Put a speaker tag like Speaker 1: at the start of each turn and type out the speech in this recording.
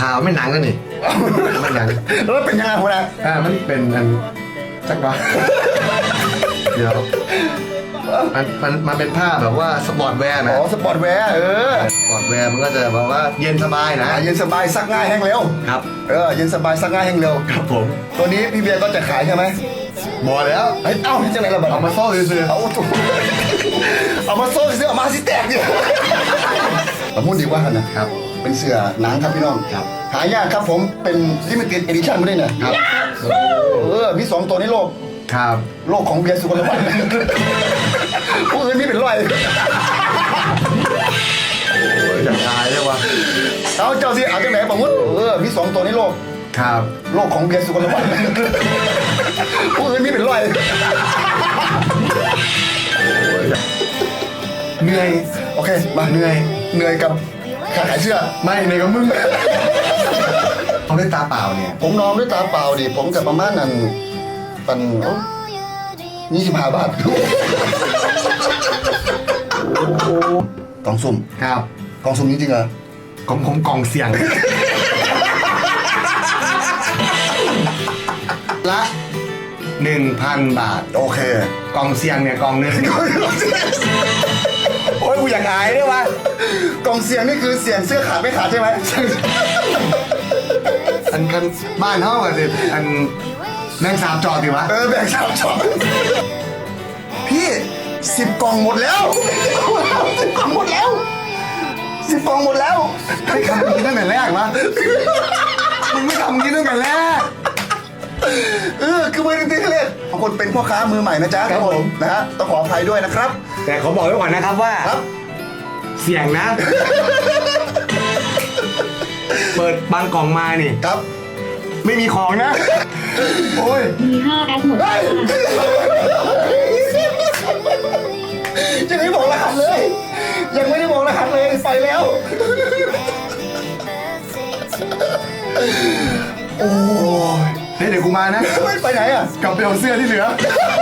Speaker 1: ข่าวไม่หนังกันนี่ไม่หนัง
Speaker 2: แล้วเป็นยังไงหัวหน้า
Speaker 1: มันเป็นอันจักวะเดี๋ยวมันเป็นผ้าแบบว่าสปอร์ตแวร์นะ
Speaker 2: อ๋อสปอร์ตแวร์
Speaker 1: สปอร์ตแวร์มันก็จะแบบว่าเย็นสบายนะ
Speaker 2: เย็นสบายซักง่ายแห้งเร็ว
Speaker 1: ครับ
Speaker 2: เย็นสบายซักง่ายแห้งเร็ว
Speaker 1: ครับผม
Speaker 2: ตัวนี้พี่เบียร์ก็จะขายใช่ไหม
Speaker 1: บอกแล้ว
Speaker 2: เอ้าที่จังไหนล่ะบัด
Speaker 1: เอามาโซ่ซื้อ
Speaker 2: เอามาโซ่ซื้อเอามาสิแตกเนี่ยผมพูดดีกว่ากันนะครับ เป็นเสื้อหนังครับพี่น้อง
Speaker 1: ครับ
Speaker 2: หายากครับผมเป็นลิมิเต็ดเอดิชั่นไม่ได้เนี่ย
Speaker 1: ครับ
Speaker 2: มี2ตัวในโลก
Speaker 1: ครับ
Speaker 2: โลกของเบียร์สุกลวัฒน์ผู้อื่นนี่เป็นร้อย
Speaker 1: อยากตายเลยวะ
Speaker 2: เอาเจ้าสิเอาจังไหนผมพูดมี2ตัวในโลก
Speaker 1: ครับ
Speaker 2: โลกของเบียร์สุกลวัฒน์ผู้อื่นนี่เป็นร้อย
Speaker 1: เหนื่อย
Speaker 2: โอเคมา
Speaker 1: เหนื่อย
Speaker 2: กับขาขายเสื้อ
Speaker 1: ไม่เหนื่อยกับมึงเขาได้ตาเปล่าเนี่ย
Speaker 2: ผมนอนด้วยตาเปล่าดิผมกับประมาณนั้นปัน25 บาทกล่องสุ่ม
Speaker 1: ครับ
Speaker 2: กล่องสุ่มจริงๆเหรอ
Speaker 1: ของผมกล่องเสียงละ 1,000 บาท
Speaker 2: โอเค
Speaker 1: กล่องเสียงเนี่ยกล่องนึง
Speaker 2: โอ้ยกูอยากอายด้วยวะกล่องเสียงนี่คือเสียงเสื้อขาดไม่ขาดใช่ไหม
Speaker 1: อันกันบ้านเท่ากันสิอันแมงสาบจอดดิวะ
Speaker 2: แบ่ง3 ช็อตพี่10 กล่องหมดแล้ว10 กล่องหมดแล้ว10 กล่องหมดแล้ว
Speaker 1: ไม่ทำอย่างนี้ตั้งแต่แรกวะมึงไม่ทำอย่างนี้ตั้งแต่แรก
Speaker 2: คือไม่ได้ตีเล่นบางคนเป็นพ่อค้ามือใหม่นะจ๊ะ
Speaker 1: ครับผม
Speaker 2: นะฮะต้องขออภัยด้วยนะครับ
Speaker 1: แต่ขอบอกไว้ก่อนนะครับว่า
Speaker 2: ครับ
Speaker 1: เสียงนะ เปิดบางกล่องมานี่
Speaker 2: ครับ
Speaker 1: ไม่มีของนะ โอ้ย
Speaker 3: มี5 แอปหมดค่ะ
Speaker 2: ยังไม่บอกรหัสเลย ยังไม่ได้บอกรหัสเลยไปแล้ว
Speaker 1: โอ้ยเดี๋ยวกูมานะ
Speaker 2: ไม่ไปไหนอ่ะ
Speaker 1: กลับไปเอาเสื้อที่เหลือ